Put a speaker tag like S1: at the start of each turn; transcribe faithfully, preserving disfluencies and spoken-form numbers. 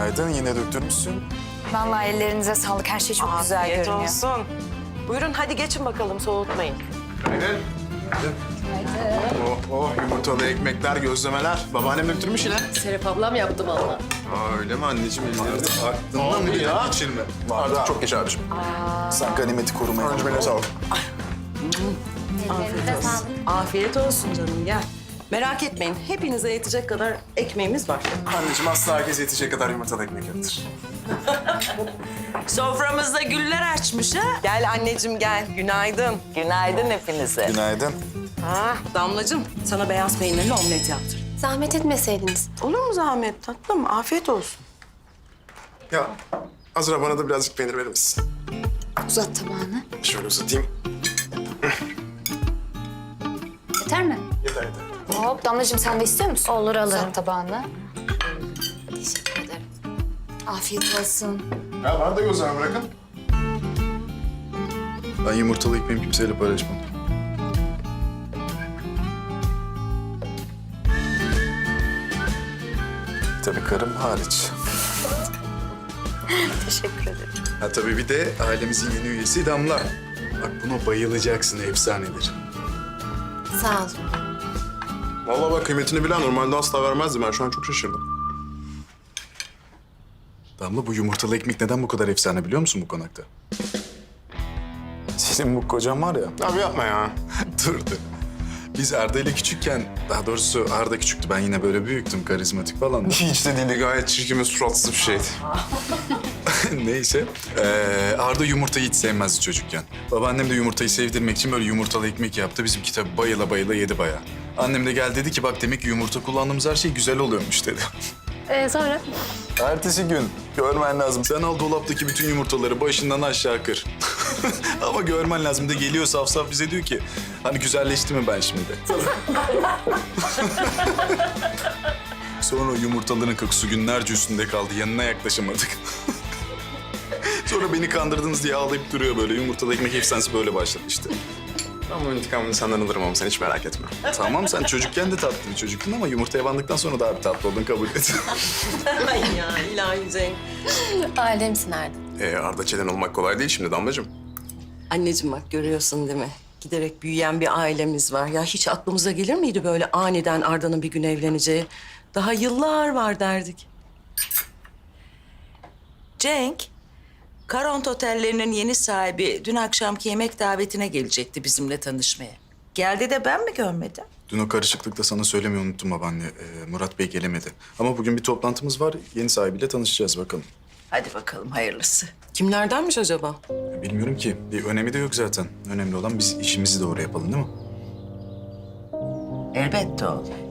S1: Günaydın, yine döktürmüşsün.
S2: Vallahi ellerinize sağlık. Her şey çok güzel
S3: Afiyet
S2: görünüyor.
S3: olsun. Buyurun hadi geçin bakalım, soğutmayın.
S1: Günaydın. Oh, oh, yumurtalı ekmekler, gözlemeler. Babaannem döktürmüş yine.
S4: Serap ablam yaptı vallahi.
S1: Aa, öyle mi anneciğim? Elleri aklından bile ya. Geçirme. Artık çok geç abiciğim. Sen ganimeti korumaya bak. Öncümene sağ ol.
S3: Afiyet olsun. Afiyet olsun canım, gel. Merak etmeyin, hepinize yetecek kadar ekmeğimiz var.
S1: Anneciğim asla herkes yetecek kadar yumurtalı ekmek yoktur.
S3: Soframızda güller açmış ha. Gel anneciğim gel, günaydın. Günaydın hepinize.
S1: Günaydın.
S3: Ha, Damlacığım, sana beyaz peynirli omlet yaptır.
S4: Zahmet etmeseydiniz.
S3: Olur mu zahmet tatlım? Afiyet olsun.
S1: Ya Azra bana da birazcık peynir verir misin?
S4: Uzat tabağını.
S1: Şöyle uzatayım.
S2: Yeter mi?
S1: Yeter yeter.
S2: Hop Damlacığım sen de istiyor musun?
S4: Olur, alırım.
S2: Uzat tabağını.
S4: Teşekkür ederim. Afiyet olsun.
S1: Ya bana da gözleme bırakın. Ben yumurtalı ekmeğimi kimseyle paylaşmam. Tabii karım hariç.
S2: Teşekkür ederim.
S1: Ha tabii bir de ailemizin yeni üyesi Damla. Bak buna bayılacaksın, efsanedir.
S4: Sağ ol.
S5: Vallahi bak kıymetini bilen normalde asla vermezdim. Ben şu an çok şaşırdım.
S1: Damla bu yumurtalı ekmek neden bu kadar efsane biliyor musun bu konakta? Senin bu kocan var ya.
S5: Abi yapma ya.
S1: Dur dur. Biz Arda ile küçükken, daha doğrusu Arda küçüktü. Ben yine böyle büyüktüm, karizmatik falan.
S5: Hiç de değildi. Gayet çirkin ve suratsız bir şeydi.
S1: Neyse. Ee, Arda yumurtayı hiç sevmezdi çocukken. Babaannem de yumurtayı sevdirmek için böyle yumurtalı ekmek yaptı. Bizimki tabii bayıla bayıla yedi bayağı. Annem de geldi dedi ki bak demek ki yumurta kullandığımız her şey güzel oluyormuş dedi.
S4: Ee, sonra?
S1: Ertesi gün görmen lazım. Sen al dolaptaki bütün yumurtaları başından aşağı kır. Ama görmen lazım da geliyor saf saf bize diyor ki hani güzelleşti mi ben şimdi? Sonra o yumurtaların kokusu günlerce üstünde kaldı. Yanına yaklaşamadık. Sonra beni kandırdınız diye ağlayıp duruyor böyle. Yumurtalı ekmek efsanesi böyle başladı işte.
S5: Ben bu intikamını senden alırım ama sen hiç merak etme.
S1: Tamam sen çocukken de tatlı bir çocuktun ama yumurtaya bandıktan sonra daha bir tatlı oldun kabul et.
S3: Ay ya ilahi Cenk.
S4: Alemsin Arda.
S5: Ee, Arda Çelen olmak kolay değil şimdi Damlacığım.
S3: Anneciğim bak görüyorsun değil mi? Giderek büyüyen bir ailemiz var. Ya hiç aklımıza gelir miydi böyle aniden Arda'nın bir gün evleneceği? Daha yıllar var derdik.
S6: Cenk, Karont Otellerinin yeni sahibi dün akşamki yemek davetine gelecekti bizimle tanışmaya. Geldi de ben mi görmedim?
S1: Dün o karışıklıkta sana söylemeyi unuttum babaanne. Ee, Murat Bey gelemedi. Ama bugün bir toplantımız var. Yeni sahibiyle tanışacağız bakalım.
S6: Hadi bakalım hayırlısı.
S3: Kimlerdenmiş acaba?
S1: Bilmiyorum ki. Bir önemi de yok zaten. Önemli olan biz işimizi doğru yapalım değil mi?
S6: Elbette oğlum.